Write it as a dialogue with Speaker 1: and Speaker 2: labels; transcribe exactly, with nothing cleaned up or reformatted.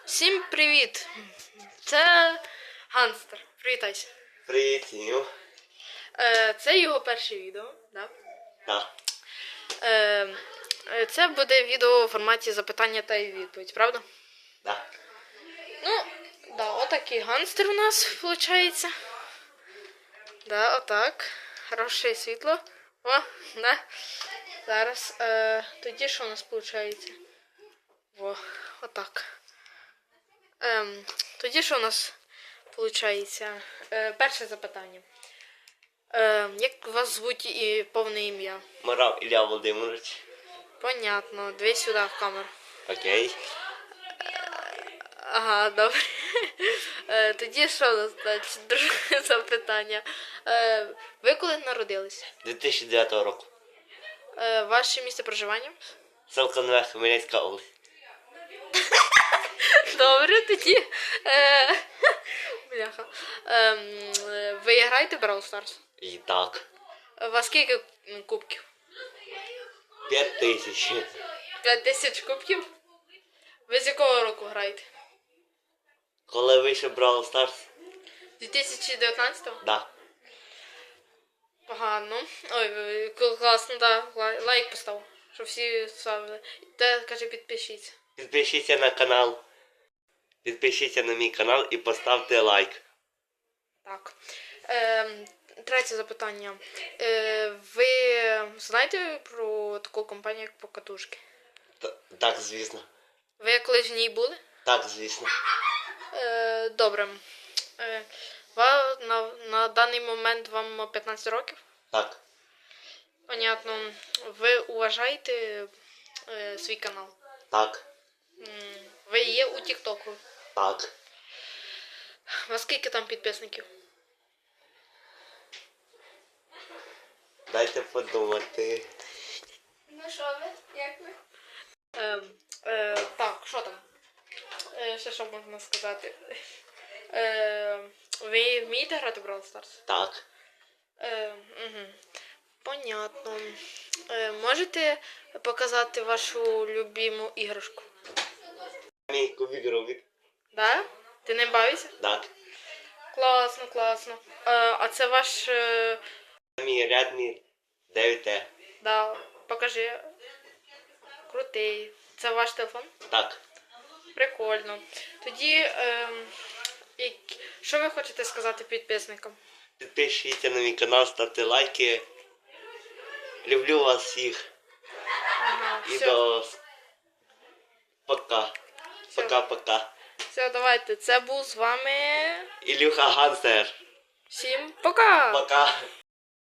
Speaker 1: Всім привіт! Це Ганстер. Привітайся.
Speaker 2: Привіт, Сіню.
Speaker 1: Е, це його перше відео, да?
Speaker 2: Так.
Speaker 1: Е, це буде відео у форматі запитання та відповідь, правда?
Speaker 2: Да.
Speaker 1: Ну, да, отакий Ганстер у нас виходить. Да, отак. Хороше світло. О, да. Зараз. Е, тоді що у нас виходить? Во, отак. Ем, тоді що у нас виходить? Е, перше запитання. Е, як вас звуть і повне ім'я?
Speaker 2: Морав Ілля Володимирович.
Speaker 1: Понятно. Дві сюди в камеру.
Speaker 2: Окей.
Speaker 1: Ага, добре. Е, тоді що у нас далі? Друге запитання. Е, ви коли народилися?
Speaker 2: дві тисячі дев'ятого року.
Speaker 1: Е, ваше місце проживання?
Speaker 2: Селко Нове, Хмельницька область.
Speaker 1: Добре, тоді. Е, бляха. Е, ви граєте в Brawl Stars?
Speaker 2: І так.
Speaker 1: У вас скільки кубків?
Speaker 2: П'ять тисяч.
Speaker 1: П'ять тисяч кубків? Ви з якого року граєте?
Speaker 2: Коли вийшов Brawl Stars?
Speaker 1: дві тисячі дев'ятнадцятого?
Speaker 2: Да.
Speaker 1: Погано. Ой, класно, да. Лайк постав, щоб всі ставили. Та, каже, підпишіться.
Speaker 2: Підпишіться на канал. Підпишіться на мій канал і поставте лайк.
Speaker 1: Так. Е, третє запитання. Е, ви знаєте про таку компанію, як Покатушки?
Speaker 2: Т- Так, звісно.
Speaker 1: Ви колись в ній були?
Speaker 2: Так, звісно.
Speaker 1: Е, добре. Е, ва, на, на даний момент вам п'ятнадцять років?
Speaker 2: Так.
Speaker 1: Понятно. Ви уважаєте е, свій канал?
Speaker 2: Так.
Speaker 1: М, Ви є у Тіктоку?
Speaker 2: Так.
Speaker 1: У вас скільки там підписників?
Speaker 2: Дайте подумати.
Speaker 1: Ну що ви? Як ви? Е, е, так, що там? Е, ще що можна сказати? Е, ви вмієте грати в Brawl Stars?
Speaker 2: Так.
Speaker 1: Е, угу. Понятно. Е, можете показати вашу любиму іграшку?
Speaker 2: Мій кубик Рубік.
Speaker 1: Да? Ти не бавишся?
Speaker 2: Так.
Speaker 1: Класно, класно. Е, а це ваш... Е,
Speaker 2: Мій рядний дев'ять Т.
Speaker 1: да, покажи. Крутий. Це ваш телефон?
Speaker 2: Так.
Speaker 1: Прикольно. Тоді, е, як... що ви хочете сказати підписникам?
Speaker 2: Підпишіться на мій канал, ставте лайки. Люблю вас всіх.
Speaker 1: Ага,
Speaker 2: І
Speaker 1: все,
Speaker 2: до... Пока.
Speaker 1: Всё.
Speaker 2: Пока-пока.
Speaker 1: все, давайте. Це був з вами.
Speaker 2: Ілюха Гансер.
Speaker 1: Всім пока!
Speaker 2: Пока.